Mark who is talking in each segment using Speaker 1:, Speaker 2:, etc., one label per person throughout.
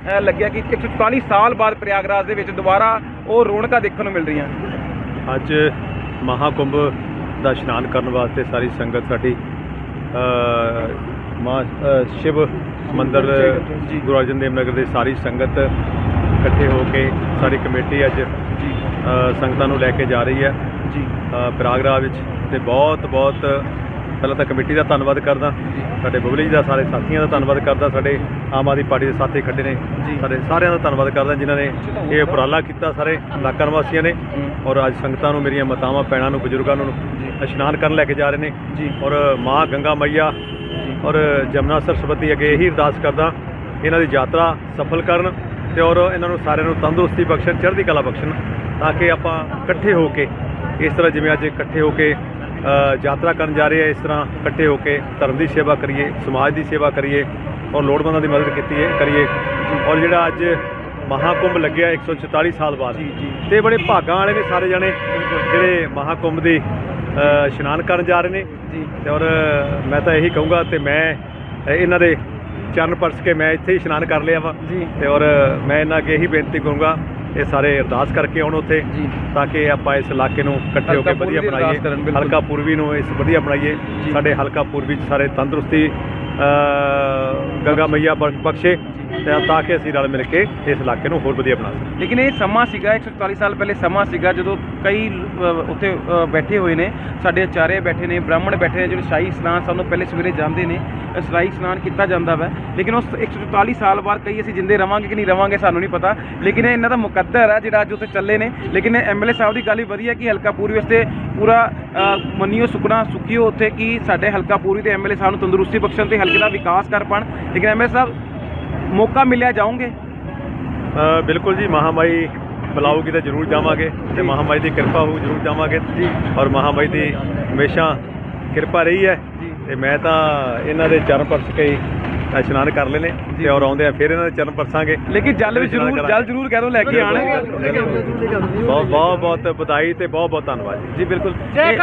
Speaker 1: ਲੱਗਿਆ ਕਿ 144 ਸਾਲ ਬਾਅਦ ਪ੍ਰਯਾਗਰਾਜ ਦੇ ਵਿੱਚ ਦੁਬਾਰਾ ਉਹ ਰੌਣਕਾਂ ਦੇਖਣ ਨੂੰ ਮਿਲ ਰਹੀਆਂ?
Speaker 2: ਅੱਜ ਮਹਾਕੁੰਭ ਦਾ ਇਸ਼ਨਾਨ ਕਰਨ ਵਾਸਤੇ ਸਾਰੀ ਸੰਗਤ ਸਾਡੀ ਸ਼ਿਵ ਮੰਦਰ ਗੁਰੂ ਅਰਜਨ ਦੇਵ ਨਗਰ ਦੀ ਸਾਰੀ ਸੰਗਤ ਇਕੱਠੇ ਹੋ ਕੇ ਸਾਰੀ ਕਮੇਟੀ ਅੱਜ ਸੰਗਤਾਂ ਨੂੰ ਲੈ ਕੇ ਜਾ ਰਹੀ ਹੈ ਜੀ ਪ੍ਰਯਾਗਰਾਜ ਵਿੱਚ। ਅਤੇ ਬਹੁਤ ਪਹਿਲਾਂ ਤਾਂ ਕਮੇਟੀ ਦਾ ਧੰਨਵਾਦ ਕਰਦਾ, ਸਾਡੇ ਬਬਲੀ ਜੀ ਦਾ, ਸਾਰੇ ਸਾਥੀਆਂ ਦਾ ਧੰਨਵਾਦ ਕਰਦਾ, ਸਾਡੇ ਆਮ ਆਦਮੀ ਪਾਰਟੀ ਦੇ ਸਾਥੀ ਖੱਡੇ ਨੇ, ਸਾਡੇ ਸਾਰਿਆਂ ਦਾ ਧੰਨਵਾਦ ਕਰਦਾ ਜਿਨ੍ਹਾਂ ਨੇ ਇਹ ਉਪਰਾਲਾ ਕੀਤਾ, ਸਾਰੇ ਇਲਾਕਾ ਨਿਵਾਸੀਆਂ ਨੇ। ਔਰ ਅੱਜ ਸੰਗਤਾਂ ਨੂੰ, ਮੇਰੀਆਂ ਮਾਤਾਵਾਂ ਭੈਣਾਂ ਨੂੰ, ਬਜ਼ੁਰਗਾਂ ਨੂੰ ਇਸ਼ਨਾਨ ਕਰਨ ਲੈ ਕੇ ਜਾ ਰਹੇ ਨੇ ਜੀ। ਔਰ ਮਾਂ ਗੰਗਾ ਮਈਆ ਔਰ ਜਮਨਾ ਸਰਸਵਤੀ ਅੱਗੇ ਇਹੀ ਅਰਦਾਸ ਕਰਦਾ ਇਹਨਾਂ ਦੀ ਯਾਤਰਾ ਸਫਲ ਕਰਨ ਅਤੇ ਔਰ ਇਹਨਾਂ ਨੂੰ ਸਾਰਿਆਂ ਨੂੰ ਤੰਦਰੁਸਤੀ ਬਖਸ਼ਣ, ਚੜ੍ਹਦੀ ਕਲਾ ਬਖਸ਼ਣ, ਤਾਂ ਕਿ ਆਪਾਂ ਇਕੱਠੇ ਹੋ ਕੇ ਇਸ ਤਰ੍ਹਾਂ ਜਿਵੇਂ ਅੱਜ ਇਕੱਠੇ ਹੋ ਕੇ ਯਾਤਰਾ ਕਰਨ ਜਾ ਰਹੇ ਆ, ਇਸ ਤਰ੍ਹਾਂ ਇਕੱਠੇ ਹੋ ਕੇ ਧਰਮ ਦੀ ਸੇਵਾ ਕਰੀਏ, ਸਮਾਜ ਦੀ ਸੇਵਾ ਕਰੀਏ ਔਰ ਲੋੜਵੰਦਾਂ ਦੀ ਮਦਦ ਕਰੀਏ। ਔਰ ਜਿਹੜਾ ਅੱਜ ਮਹਾਕੁੰਭ ਲੱਗਿਆ 144 ਸਾਲ ਬਾਅਦ, ਅਤੇ ਬੜੇ ਭਾਗਾਂ ਵਾਲੇ ਨੇ ਸਾਰੇ ਜਣੇ ਜਿਹੜੇ ਮਹਾਕੁੰਭ ਦੀ ਇਸ਼ਨਾਨ ਕਰਨ ਜਾ ਰਹੇ ਨੇ ਜੀ। ਅਤੇ ਔਰ ਮੈਂ ਤਾਂ ਇਹੀ ਕਹੂੰਗਾ, ਅਤੇ ਮੈਂ ਇਹਨਾਂ ਦੇ ਚਰਨ ਪਰਸ ਕੇ ਮੈਂ ਇੱਥੇ ਹੀ ਇਸ਼ਨਾਨ ਕਰ ਲਿਆ ਵਾ ਜੀ। ਅਤੇ ਔਰ ਮੈਂ ਇਹਨਾਂ ਅੱਗੇ ਇਹੀ ਬੇਨਤੀ ਕਰੂੰਗਾ ਇਹ ਸਾਰੇ ਅਰਦਾਸ ਕਰਕੇ ਆਉਣ ਉੱਥੇ, ਤਾਂ ਕਿ ਆਪਾਂ ਇਸ ਇਲਾਕੇ ਨੂੰ ਇਕੱਠੇ ਹੋ ਕੇ ਵਧੀਆ ਬਣਾਈਏ, ਹਲਕਾ ਪੂਰਬੀ ਨੂੰ ਇਸ ਵਧੀਆ ਬਣਾਈਏ, ਸਾਡੇ ਹਲਕਾ ਪੂਰਬੀ 'ਚ ਸਾਰੇ ਤੰਦਰੁਸਤੀ ਗੰਗਾ ਮਈਆ ਬਖਸ਼ੇ, ਤਾਂ ਕਿ ਅਸੀਂ ਰਲ ਮਿਲ ਕੇ ਇਸ ਇਲਾਕੇ ਨੂੰ ਹੋਰ ਵਧੀਆ ਬਣਾ ਸਕੀਏ।
Speaker 1: ਲੇਕਿਨ ਇਹ ਸਮਾਂ ਸੀਗਾ 144 ਸਾਲ ਪਹਿਲੇ ਸਮਾਂ ਸੀਗਾ ਜਦੋਂ ਕਈ ਉੱਥੇ ਬੈਠੇ ਹੋਏ ਨੇ, ਸਾਡੇ ਆਚਾਰੇ ਬੈਠੇ ਨੇ, ਬ੍ਰਾਹਮਣ ਬੈਠੇ ਨੇ, ਜਿਹੜੇ ਸ਼ਾਹੀ ਇਸ਼ਨਾਨ ਸਾਨੂੰ ਪਹਿਲੇ ਸਵੇਰੇ ਜਾਂਦੇ ਨੇ, ਸ਼ਾਹੀ ਇਸ਼ਨਾਨ ਕੀਤਾ ਜਾਂਦਾ ਵਾ। ਲੇਕਿਨ ਉਸ 144 ਸਾਲ ਬਾਅਦ ਕਈ ਅਸੀਂ ਜਿੰਦੇ ਰਵਾਂਗੇ ਕਿ ਨਹੀਂ ਰਵਾਂਗੇ ਸਾਨੂੰ ਨਹੀਂ ਪਤਾ, ਲੇਕਿਨ ਇਹਨਾਂ ਦਾ ਮੁਕੱਦਰ ਹੈ ਜਿਹੜਾ ਅੱਜ ਉੱਥੇ ਚੱਲੇ ਨੇ। ਲੇਕਿਨ ਐਮਐਲਏ ਸਾਹਿਬ ਦੀ ਗੱਲ ਵੀ ਵਧੀਆ ਕਿ ਹਲਕਾ ਪੂਰਬੀ ਵਾਸਤੇ ਪੂਰਾ ਮੰਨੀਓ ਸੁਖਣਾ ਸੁਖੀਓ ਉੱਥੇ ਕਿ ਸਾਡੇ ਹਲਕਾ ਪੂਰਬੀ ਦੇ ਐਮਐਲਏ ਸਾਹਿਬ ਨੂੰ ਤੰਦਰੁਸਤੀ ਬਖਸ਼ਣ ਅਤੇ ਹਲਕੇ ਦਾ ਵਿਕਾਸ ਕਰ ਪਾਉਣ। ਲੇਕਿਨ ਐਮਐਲਏ ਸਾਹਿਬ ਮੌਕਾ ਮਿਲਿਆ ਜਾਓਗੇ?
Speaker 2: ਬਿਲਕੁਲ ਜੀ, ਮਹਾਮਾਈ ਬੁਲਾਊਗੀ ਤਾਂ ਜ਼ਰੂਰ ਜਾਵਾਂਗੇ, ਅਤੇ ਮਹਾਮਾਈ ਦੀ ਕਿਰਪਾ ਹੋਊ ਜ਼ਰੂਰ ਜਾਵਾਂਗੇ ਜੀ। ਔਰ ਮਹਾਮਾਈ ਦੀ ਹਮੇਸ਼ਾ ਕਿਰਪਾ ਰਹੀ ਹੈ, ਅਤੇ ਮੈਂ ਤਾਂ ਇਹਨਾਂ ਦੇ ਚਰਨ ਪਰਸ ਕੇ ਇਸ਼ਨਾਨ ਕਰ ਲਏ ਨੇ, ਅਤੇ ਔਰ ਆਉਂਦੇ ਆ ਫਿਰ ਇਹਨਾਂ ਦੇ ਚਰਨ ਪਰਸਾਂਗੇ।
Speaker 1: ਲੇਕਿਨ ਜਲ ਵੀ ਜ਼ਰੂਰ ਕਹਿ ਦੋ ਲੈ ਕੇ ਆਉਣ।
Speaker 2: ਬਹੁਤ ਵਧਾਈ ਅਤੇ ਬਹੁਤ ਧੰਨਵਾਦ ਜੀ।
Speaker 1: ਜੀ ਬਿਲਕੁਲ।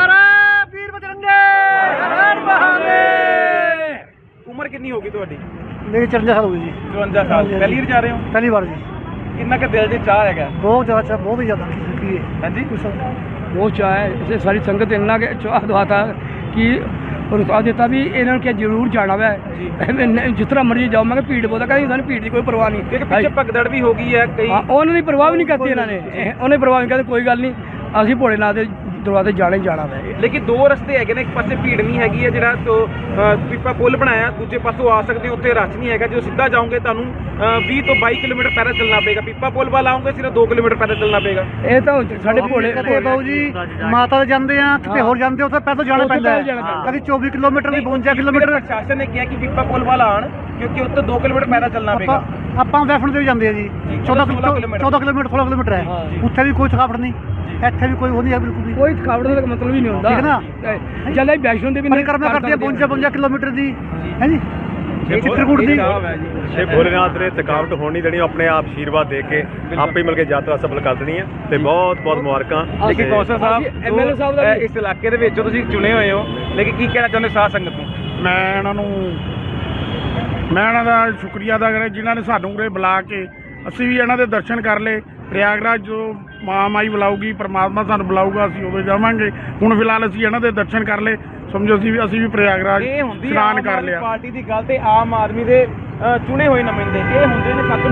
Speaker 1: ਉਮਰ ਕਿੰਨੀ ਹੋਗੀ ਤੁਹਾਡੀ?
Speaker 3: ਮੇਰੀ 54 ਸਾਲ ਹੋ ਗਈ ਜੀ।
Speaker 1: 54 ਸਾਲ। ਪਹਿਲੀ ਵਾਰ ਜਾ ਰਹੇ ਹੋ?
Speaker 3: ਪਹਿਲੀ ਵਾਰ ਜੀ।
Speaker 1: ਕਿੰਨਾ ਕੁ ਦਿਲ 'ਚ ਚਾਹ ਹੈਗਾ?
Speaker 3: ਬਹੁਤ ਜ਼ਿਆਦਾ ਚਾਹ, ਬਹੁਤ ਹੀ ਜ਼ਿਆਦਾ।
Speaker 1: ਹਾਂਜੀ,
Speaker 3: ਬਹੁਤ ਚਾਹ ਹੈ, ਇਸੇ ਸਾਰੀ ਸੰਗਤ ਇੰਨਾ ਕਿ ਚਾਹ ਦਵਾਤਾ ਕਿ ਰੁਸਾਬ ਦਿੱਤਾ ਵੀ ਇਹਨਾਂ ਨੂੰ ਕਿ ਜ਼ਰੂਰ ਜਾਣਾ ਵੈ। ਜਿਸ ਤਰ੍ਹਾਂ ਮਰਜ਼ੀ ਜਾਓ, ਮੈਂ ਕਿਹਾ ਭੀੜ ਬਹੁਤ ਕਹਿੰਦੀ ਸਾਨੂੰ ਭੀੜ ਦੀ ਕੋਈ ਪਰਵਾਹ ਨਹੀਂ।
Speaker 1: ਪਿੱਛੇ ਭਗਦੜ ਵੀ ਹੋ ਗਈ ਹੈ ਕਈ,
Speaker 3: ਉਹਨਾਂ ਦੀ ਪਰਵਾਹ ਵੀ ਨਹੀਂ ਕਰਤੀ ਇਹਨਾਂ ਨੇ, ਉਹਨੇ ਪਰਵਾਹ ਨਹੀਂ ਕਹਿੰਦੇ ਕੋਈ ਗੱਲ ਨਹੀਂ, ਅਸੀਂ ਭੋਲੇਨਾਥ ਦੇ ਦਰਵਾਜ਼ੇ ਜਾਣਾ ਹੀ ਜਾਣਾ ਵੈ।
Speaker 1: ਲੇਕਿਨ ਦੋ ਰਸਤੇ ਹੈਗੇ ਨੇ, ਇੱਕ ਪਾਸੇ ਭੀੜ ਨਹੀਂ ਹੈਗੀ ਹੈ, ਜਿਹੜਾ ਪੀਪਾ ਪੁੱਲ ਬਣਾਇਆ, ਦੂਜੇ ਪਾਸੋਂ ਆ ਸਕਦੇ ਹੋ, ਉੱਥੇ ਰਸ਼ ਨਹੀਂ ਹੈਗਾ। ਜਦੋਂ ਸਿੱਧਾ ਜਾਓਗੇ ਤੁਹਾਨੂੰ 20 ਤੋਂ 22 ਕਿਲੋਮੀਟਰ ਪੈਦਲ ਚੱਲਣਾ ਪਏਗਾ। ਪੀਪਾ ਪੁੱਲ ਵੱਲ ਆਓਗੇ ਸਿਰਫ 2 ਕਿਲੋਮੀਟਰ ਪੈਦਲ ਚੱਲਣਾ ਪਏਗਾ।
Speaker 3: ਇਹ ਤਾਂ ਸਾਡੇ ਭੋਲੇ ਬਾਬੂ ਜੀ ਮਾਤਾ ਦੇ ਜਾਂਦੇ ਆ, ਕਿਤੇ ਹੋਰ ਜਾਂਦੇ ਉੱਥੇ ਪੈਦਲ ਜਾਣਾ ਪੈਂਦਾ, ਕਦੀ 24 ਕਿਲੋਮੀਟਰ ਦੀ 52 ਕਿਲੋਮੀਟਰ।
Speaker 1: ਪ੍ਰਸ਼ਾਸਨ ਨੇ ਕਿਹਾ ਕਿ ਪੀਪਾ ਪੁੱਲ ਵੱਲ ਆਉਣ, ਕਿਉਂਕਿ ਉੱਥੇ 2 ਕਿਲੋਮੀਟਰ ਪੈਦਲ ਚੱਲਣਾ ਪਏਗਾ।
Speaker 3: ਆਪਾਂ ਵੈਫਣ ਦੇ ਵੀ ਜਾਂਦੇ ਆ ਜੀ, 14 ਕਿਲੋਮੀਟਰ ਹੈ, ਉੱਥੇ ਵੀ ਕੋਈ ਥਕਾਵਟ ਨਹੀਂ, ਇੱਥੇ ਵੀ ਕੋਈ ਉਹ ਨਹੀਂ ਹੈ, ਬਿਲਕੁਲ ਵੀ ਕੋਈ ਥਕਾਵਟ ਦਾ ਮਤਲਬ ਹੀ ਨਹੀਂ ਹੁੰਦਾ, ਠੀਕ ਨਾ। ਜਦ ਵੈਸ਼ਨੋ ਦੇਵੀ ਪਰਿਕਰਮਾ ਕਰਦੇ ਆ 52 ਕਿਲੋਮੀਟਰ ਦੀ, ਹੈ ਜੀ, ਚਿੱਤਰਕੂਟ ਦੀ।
Speaker 2: ਸ਼ਿਵ ਭੋਲੇਨਾਥ ਨੇ ਥਕਾਵਟ ਹੋਣ ਨਹੀਂ ਦੇਣੀ, ਆਪਣੇ ਆਪ ਆਸ਼ੀਰਵਾਦ ਦੇ ਕੇ ਆਪੇ ਹੀ ਮਿਲ ਕੇ ਯਾਤਰਾ ਸਫਲ ਕਰ ਦੇਣੀ ਹੈ, ਅਤੇ ਬਹੁਤ ਮੁਬਾਰਕਾਂ।
Speaker 1: ਲੇਕਿਨ ਕੌਂਸਲ ਸਾਹਿਬ, ਐਮਐਲਏ ਸਾਹਿਬ ਦਾ ਇਸ ਇਲਾਕੇ ਦੇ ਵਿੱਚੋਂ ਤੁਸੀਂ ਚੁਣੇ ਹੋਏ ਹੋ, ਲੇਕਿਨ ਕੀ ਕਹਿਣਾ ਚਾਹੁੰਦੇ ਸਾਧ ਸੰਗਤ ਨੂੰ?
Speaker 4: ਮੈਂ ਇਹਨਾਂ ਦਾ ਸ਼ੁਕਰੀਆ ਅਦਾ ਕਰਾਂ ਜਿਨ੍ਹਾਂ ਨੇ ਸਾਨੂੰ ਉਰੇ ਬੁਲਾ ਕੇ ਅਸੀਂ ਵੀ ਇਹਨਾਂ ਦੇ ਦਰਸ਼ਨ ਕਰ ਲਏ। ਪ੍ਰਯਾਗਰਾਜ ਜੋ ਮਹਾਮਾਈ ਬੁਲਾਊਗੀ, ਪਰਮਾਤਮਾ ਸਾਨੂੰ ਬੁਲਾਊਗਾ, ਅਸੀਂ ਉਦੋਂ ਜਾਵਾਂਗੇ। ਹੁਣ ਫਿਲਹਾਲ ਅਸੀਂ ਇਹਨਾਂ ਦੇ ਦਰਸ਼ਨ ਕਰ ਲਏ, ਸਮਝੋ ਅਸੀਂ ਵੀ ਪ੍ਰਯਾਗਰਾਜ ਇਸ਼ਨਾਨ ਕਰ ਲਿਆ।
Speaker 1: ਪਾਰਟੀ ਦੀ ਗੱਲ ਤੇ ਆਮ ਆਦਮੀ ਦੇ ਚੁਣੇ ਹੋਏ ਨੁਮਾਇੰਦੇ ਇਹ ਹੁੰਦੇ ਨੇ।